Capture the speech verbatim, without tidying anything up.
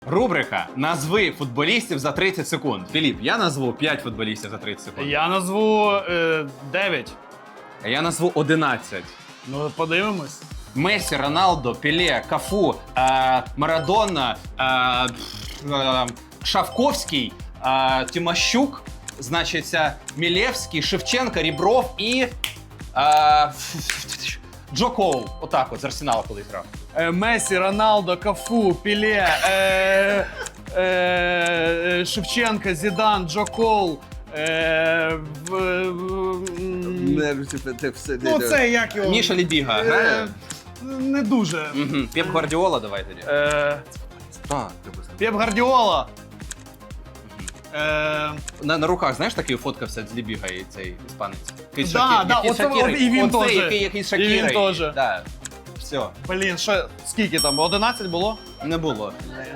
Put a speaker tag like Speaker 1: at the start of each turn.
Speaker 1: Рубрика «Назви футболістів за тридцять секунд». Філіп, я назву п'ять футболістів за тридцять секунд.
Speaker 2: Я назву е, дев'ять.
Speaker 1: А я назву одинадцять.
Speaker 2: Ну, подивимось.
Speaker 1: Месі, Роналдо, Пеле, Кафу, е, Марадона, е, е, Шавковський, е, Тимощук, значить, Мілевський, Шевченко, Рібров і е, Джо Коул. Отак от з Арсенала колись грав.
Speaker 2: Е, Месі, Роналдо, Кафу, Пеле, е, е, Шевченко, Зідан, Джо Коул. Е, в, в, м,
Speaker 3: Не, типу, ти все
Speaker 2: ну, це як його?
Speaker 1: Міша Лібіга
Speaker 2: Е,
Speaker 1: грає?
Speaker 2: Не дуже.
Speaker 1: Угу. Пеп Гвардіола давай тоді.
Speaker 2: Е,
Speaker 3: Так, треба сказати.
Speaker 2: Пеп Гвардіола. Е,
Speaker 1: На, на руках, знаєш, такий фоткався з Лібігою цей іспанець? Якийсь
Speaker 2: Да,
Speaker 1: Шакі-
Speaker 2: да,
Speaker 1: якийсь
Speaker 2: оце-
Speaker 1: Шакіри.
Speaker 2: от і він
Speaker 1: Оцей,
Speaker 2: теж.
Speaker 1: який, який з
Speaker 2: І він
Speaker 1: Шакіри.
Speaker 2: теж.
Speaker 1: Да. Все,
Speaker 2: блін, ще скільки там? одинадцять було?
Speaker 1: не було.